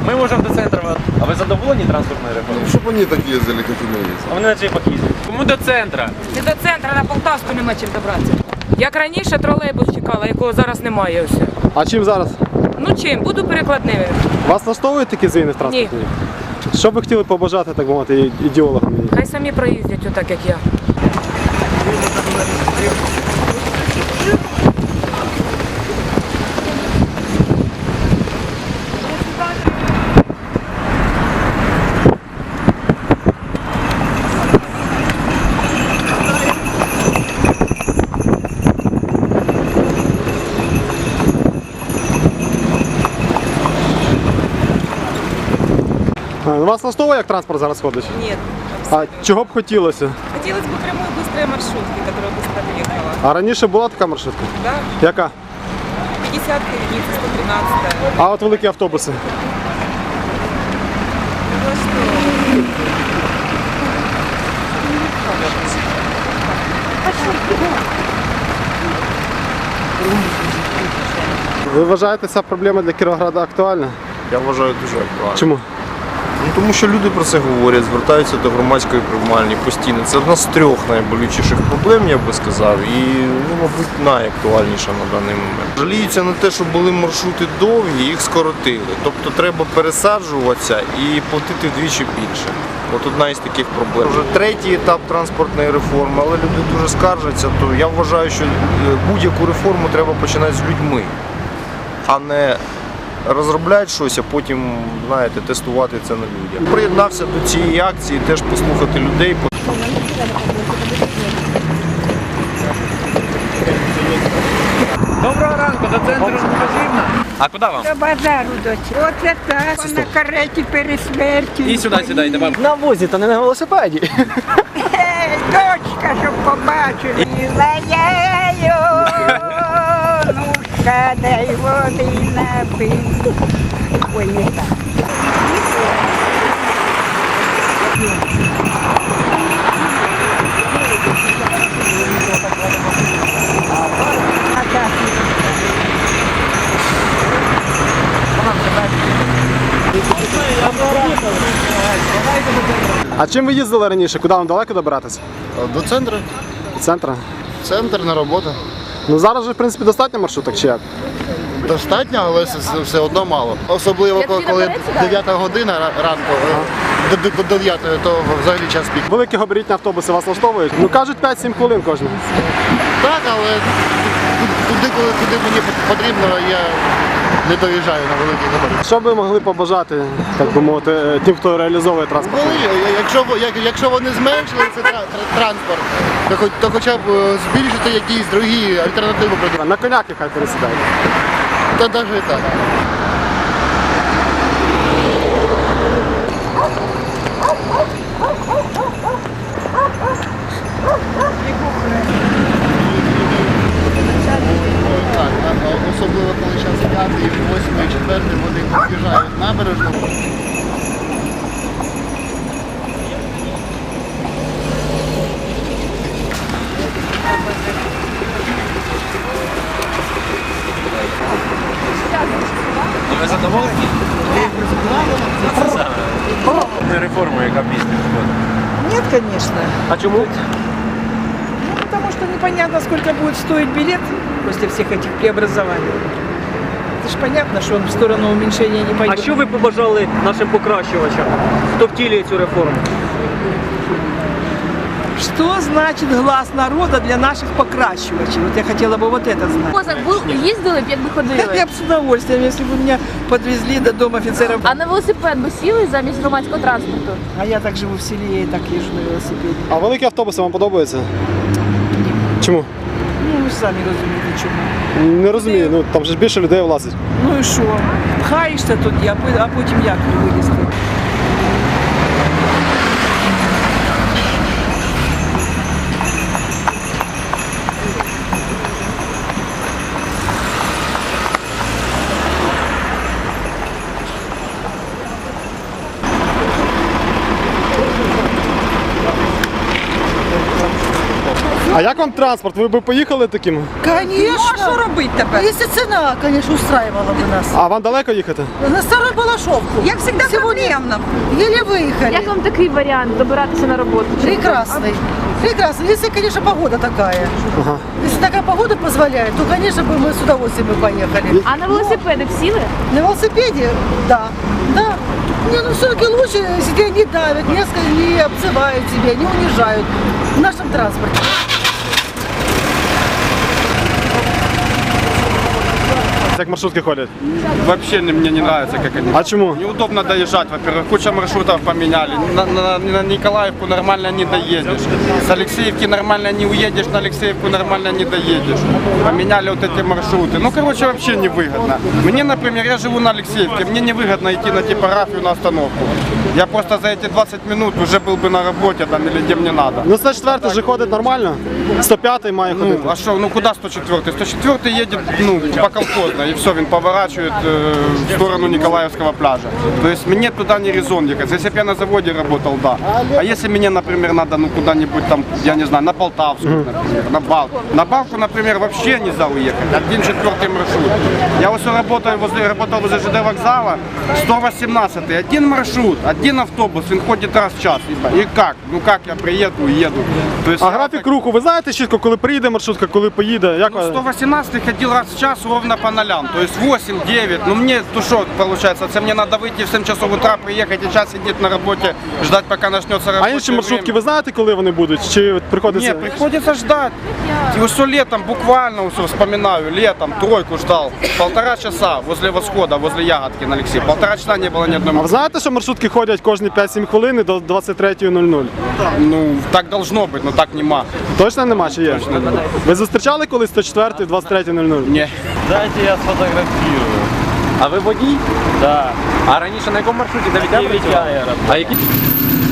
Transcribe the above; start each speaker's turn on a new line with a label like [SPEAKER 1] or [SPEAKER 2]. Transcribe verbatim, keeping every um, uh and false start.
[SPEAKER 1] Ми можемо до центру. А ви задоволені транспортною реформою?
[SPEAKER 2] Ну, щоб вони так їздили, як і ми їздили.
[SPEAKER 1] А вони на джипах їздять. Кому до центру?
[SPEAKER 3] Не до центру, на Полтавську нема чим добратися. Як раніше тролейбус чекала, якого зараз немає все.
[SPEAKER 4] А чим зараз?
[SPEAKER 3] Ну чим? Буду перекладними.
[SPEAKER 4] Вас влаштовують такі зміни в транспорті? Що б ви хотіли побажати, так мовити, ідеологам?
[SPEAKER 3] Хай самі проїздять отак, як я.
[SPEAKER 4] Вас влаштовує, як транспорт зараз ходить?
[SPEAKER 3] Нет.
[SPEAKER 4] А чого б хотілося?
[SPEAKER 3] Хотелось бы прямой быстрой маршрутки, которая быстро доехала.
[SPEAKER 4] А раніше була така маршрутка?
[SPEAKER 3] Да?
[SPEAKER 4] Яка?
[SPEAKER 3] пятьдесят единиц, сто тринадцать.
[SPEAKER 4] А от великі автобуси?
[SPEAKER 3] Ну что?
[SPEAKER 4] Ви вважаєте, ця проблема для Кіровограда актуальна?
[SPEAKER 2] Я вважаю дуже актуально.
[SPEAKER 4] Чому?
[SPEAKER 2] Ну, тому що люди про це говорять, звертаються до громадської приймальні постійно. Це одна з трьох найболючіших проблем, я би сказав, і, ну, мабуть, найактуальніша на даний момент. Жаліються на те, що були маршрути довгі, їх скоротили. Тобто треба пересаджуватися і платити вдвічі більше. От одна із таких проблем. Вже третій етап транспортної реформи, але люди дуже скаржаться, то я вважаю, що будь-яку реформу треба починати з людьми, а не розробляти щось, а потім, знаєте, тестувати це на людях. Приєднався до цієї акції, теж послухати людей.
[SPEAKER 1] Доброго ранку, до центру не потрібно. А куди вам?
[SPEAKER 5] До базару, доці. Оце так, на кареті пересмерті.
[SPEAKER 1] І сюди сідайте, бабу.
[SPEAKER 4] На возі, та не на велосипеді.
[SPEAKER 5] Ей, дочка, щоб побачили. Лаяю, нушка, дай води напий. Ой, не так.
[SPEAKER 4] А чим ви їздили раніше? Куди вам далеко добиратися?
[SPEAKER 2] До центру.
[SPEAKER 4] До центру?
[SPEAKER 2] Центр на роботу.
[SPEAKER 4] Ну зараз же, в принципі, достатньо маршруток, чи як?
[SPEAKER 2] Достатньо, але все, все одно мало. Особливо, коли дев'ята година ранку, до, до, до дев'ятої, то взагалі час пік.
[SPEAKER 4] Великі габаритні автобуси вас влаштовують? Ну кажуть, п'ять-сім хвилин кожен.
[SPEAKER 2] Так, але туди, коли куди мені потрібно, я не доїжджаю на великі габарити.
[SPEAKER 4] Що б ви могли побажати, так би мовити, тим, хто реалізовує транспорт?
[SPEAKER 2] Коли, якщо, як- якщо вони зменшили цей тра- тра- транспорт, то, хоч- то хоча б е, збільшити якісь другі альтернативи придумати.
[SPEAKER 4] На коняки хай пересідають.
[SPEAKER 2] Та навіть і так. Так, а- а особливо коли час п'ятий, восьмий, четвертий, вони під'їжджають набережну.
[SPEAKER 1] Ви задоволені? Це саме. Реформа, яка після виходить.
[SPEAKER 6] Нет, конечно.
[SPEAKER 4] А чому?
[SPEAKER 6] Ну, потому что непонятно, сколько будет стоить билет после всех этих преобразований. Это же понятно, что он в сторону уменьшения не
[SPEAKER 7] А
[SPEAKER 6] пойдет.
[SPEAKER 7] що ви побажали нашим покращувачам, хто втілює цю реформу?
[SPEAKER 6] Что значит глаз народа для наших покращивачей? Вот я хотела бы вот это знать.
[SPEAKER 8] Возок був, їздили б, якби
[SPEAKER 6] Я
[SPEAKER 8] ходили.
[SPEAKER 6] бы с удовольствием, если бы меня подвезли до дома офицеров.
[SPEAKER 8] А на велосипед би сіли замість громадського транспорту?
[SPEAKER 6] А я так живу в селе, я и так езжу на велосипеде.
[SPEAKER 4] А великі автобуси вам подобаються? Чому?
[SPEAKER 6] Ну, ви ж самі розумієте, чому.
[SPEAKER 4] Не розумію, ну там же ж більше людей влазить.
[SPEAKER 6] Ну і що? Пхаєшся тоді, а пи- а потім як вилізти?
[SPEAKER 4] А як вам транспорт? Ви б поїхали таким?
[SPEAKER 6] Ну, а що
[SPEAKER 5] Конечно.
[SPEAKER 6] робити тепер?
[SPEAKER 5] Если цена, конечно, устраивала бы нас.
[SPEAKER 4] А вам далеко їхати?
[SPEAKER 5] На Старую Балашовку.
[SPEAKER 6] Як завжди проблемно.
[SPEAKER 5] Еле выехали.
[SPEAKER 8] Як вам такий варіант добиратися на роботу?
[SPEAKER 5] Прекрасный. Прекрасно. Если, конечно, погода такая.
[SPEAKER 4] Ага.
[SPEAKER 5] Если такая погода позволяет, то, конечно, бы мы с удовольствием бы поехали.
[SPEAKER 8] А на велосипеди б сіли?
[SPEAKER 5] На велосипеде? Да. Да. Не, ну все-таки лучше, если тебя не давят, не, ска- не обзывают тебя, не унижают в нашем транспорте.
[SPEAKER 4] Як маршрутки ходять?
[SPEAKER 9] Вообще не- мне не нравится, как они.
[SPEAKER 4] А чому?
[SPEAKER 9] Неудобно доезжать, во-первых. Куча маршрутов поменяли. На, на- на Николаевку нормально не доедешь. С Алексеевки нормально не уедешь, на Алексеевку нормально не доедешь. Поменяли вот эти маршруты. Ну, короче, вообще невыгодно. Мне, например, я живу на Алексеевке, мне невыгодно идти на типографию на остановку. Я просто за эти двадцать минут уже был бы на работе там или где мне надо.
[SPEAKER 4] Ну сто четвертий же ходить нормально. сто п'ятий має ходити.
[SPEAKER 9] Ну, а что, ну куда сто четвёртый? сто четвёртый едет, ну, по колхозно, и все, он поворачивает э, в сторону Николаевского пляжа. То есть мне туда не резон ехать. Если бы я на заводе работал, да. А если мне, например, надо, ну, куда-нибудь там, я не знаю, на Полтавскую, например, на Балку. На Балку, например, вообще нельзя уехать. Один четвертый маршрут. Я вот работаю возле, работал возле ЖД вокзала, сто восемнадцатый, один маршрут, один автобус, он ходит раз в час. И как? Ну как я приеду и еду? То есть
[SPEAKER 4] А
[SPEAKER 9] я
[SPEAKER 4] графік
[SPEAKER 9] так-
[SPEAKER 4] руху, ви знаєте чітко, коли приїде маршрутка, коли поїде? Як
[SPEAKER 9] Ну,
[SPEAKER 4] ви-
[SPEAKER 9] сто восемнадцатый ходил раз в час ровно по нолям, то есть восемь девять. Ну мне, ну что получается, это мне надо выйти в семь часов утра, приехать и час сидеть на работе, ждать, пока начнется
[SPEAKER 4] А
[SPEAKER 9] рабочее
[SPEAKER 4] інші маршрутки,
[SPEAKER 9] время.
[SPEAKER 4] ви знаєте, коли вони будуть? Чи приходиться?
[SPEAKER 9] Нет, приходится ждать. И все летом, буквально все вспоминаю, летом тройку ждал. Полтора часа возле восхода, возле Ягодки на Алексея. Полтора часа не было ни одной
[SPEAKER 4] А ви знаєте, що маршрутки ходять кожні п'ять-сім хвилин до двадцять третьої нуль нуль?
[SPEAKER 9] Ну, так должно быть, но так нема.
[SPEAKER 4] Точно нема чи є? Ви зустрічали колись сто четвертий, двадцять третій нуль нуль?
[SPEAKER 9] Не.
[SPEAKER 1] Дайте я сфотографірую. А ви водій?
[SPEAKER 7] Да.
[SPEAKER 1] А раніше на якому маршруті? До Вітя?
[SPEAKER 7] Вітя я
[SPEAKER 1] А які?